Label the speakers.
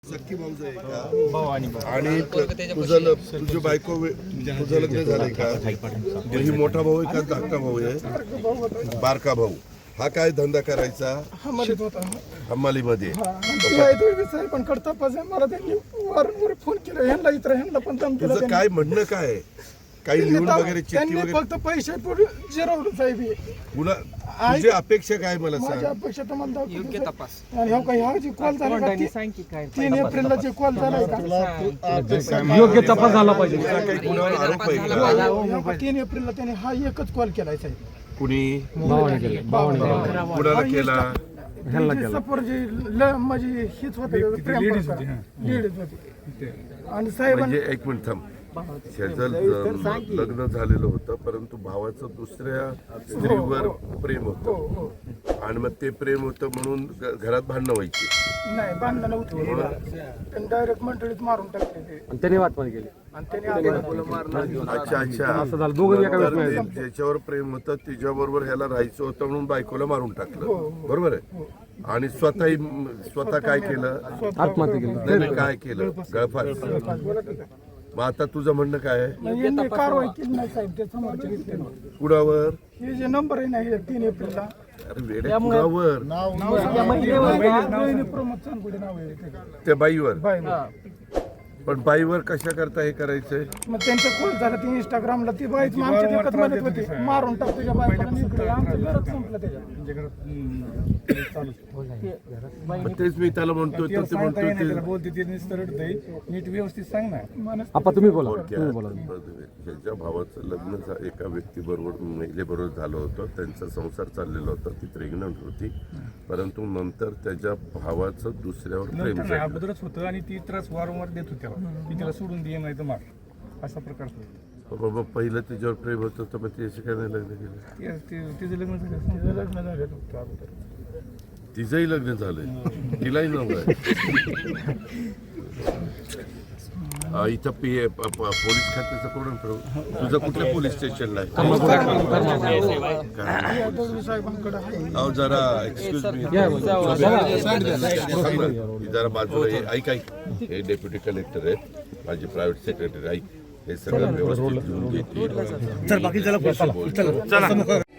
Speaker 1: सख्खी भाऊज आहे का? आणि तुझी बायको तुझं लग्न झालंय का? ही मोठा भाऊ आहे का धाकटा भाऊ आहे? बारका भाऊ. हा काय धंदा करायचा? हमालीमध्ये.
Speaker 2: पण करता मला त्यांनी वारंवार फोन केला ह्यांना इतर ह्यांना पण दम केला.
Speaker 1: तुझं काय म्हणणं काय आहे? काही लिहून वगैरे चिठ्ठी वगैरे?
Speaker 2: फक्त पैसे पुढे जिरवलं साहेब.
Speaker 1: पुन्हा तुझी अपेक्षा काय मला
Speaker 2: माझी
Speaker 1: सांग?
Speaker 2: अपेक्षा तुम्हाला योग्य तपास. आणि हो काही हा जी कॉल झाला 3 एप्रिलला जे कॉल झालाय का
Speaker 3: योग्य तपास झाला पाहिजे.
Speaker 1: तुझा काही गुन्ह्यावर आरोप आहे का?
Speaker 2: 3 एप्रिलला त्याने हा एकच कॉल केलाय साहेब.
Speaker 1: कुणी
Speaker 3: भावाने केलं.
Speaker 1: कुणाला केला?
Speaker 2: सपोर जे म्हणजे हीच होते लेडीज होती. आणि साहेब
Speaker 1: म्हणजे एक मिनिट थांब. शेजल लग्न झालेलं होतं परंतु भावाचं दुसऱ्या स्त्रीवर प्रेम होतं आणि मग ते प्रेम होतं म्हणून घरात भांडणं व्हायची.
Speaker 2: नाही भांडणं नव्हती. त्यांनी डायरेक्ट मंडळीत मारून टाकले ते.
Speaker 3: त्याने वाटपात केली.
Speaker 2: आणि त्याने
Speaker 1: अच्छा
Speaker 3: असं झालं. दोघं एका
Speaker 1: तर ते ज्याच्यावर प्रेम होतं तिच्याबरोबर ह्याला राहायचं होतं म्हणून बायकोला मारून टाकलं. बरोबर आहे. आणि स्वतः काय केलं?
Speaker 3: आत्महत्या केली.
Speaker 1: नाही, काय केलं? गळफास. मग आता तुझं म्हणणं काय आहे?
Speaker 2: यांनी कारवाई केली नाही साहेब. ते समोरचे घेतले.
Speaker 1: कुणावर?
Speaker 2: हे जे नंबर आहे ना हे 3 एप्रिलला
Speaker 1: अरे वेड्या, कुणावर?
Speaker 2: प्रमोद चांदगुडे नाव आहे ते.
Speaker 1: त्या बाईवर.
Speaker 2: बाय.
Speaker 1: पण बाईवर कशा करता हे करायचंय?
Speaker 2: मग त्यांचं कॉल झालं ते इंस्टाग्रामला ती बाईच आमच्या देखत म्हणत होती मारून टाक तुझ्या बायकोला. आमचं घरच संपलं त्याच्या.
Speaker 1: मग तेच मी त्याला म्हणतो तर ते म्हणतो ते
Speaker 2: बोलते ते नीट व्यवस्थित सांग ना.
Speaker 3: आपा तुम्ही बोला.
Speaker 1: ज्याच्या भावाचं लग्न एका व्यक्तीबरोबर महिलेबरोबर झालं होतं, त्यांचा संसार चाललेला होता, ती प्रेग्नंट होती, परंतु नंतर त्याच्या भावाचं दुसऱ्यावर प्रेम झालं.
Speaker 4: अगोदरच होतं आणि ती त्रास वारंवार देत होत्या की तिला सोडून दे नाही तर मार असा प्रकार होता.
Speaker 1: बाबा पहिलं तिच्यावर प्रेम होतं तर मग त्याशी काय नाही लग्न केलं?
Speaker 4: तिचं लग्न झालं.
Speaker 2: तिचं लग्न झालं होतं अगोदर.
Speaker 1: तिचंही लग्न झालंय, तिलाही नव्हतं. इथं पोलीस खात्याचं कोण ठरव? तुझं कुठल्या पोलीस स्टेशनला आहे? अहो जरा एक्सक्यूज मी, जरा बाजूला ऐक. हे डेप्युटी कलेक्टर आहेत, माझे प्रायव्हेट सेक्रेटरी. ऐक, हे सगळं व्यवस्थित घेऊन घेतील.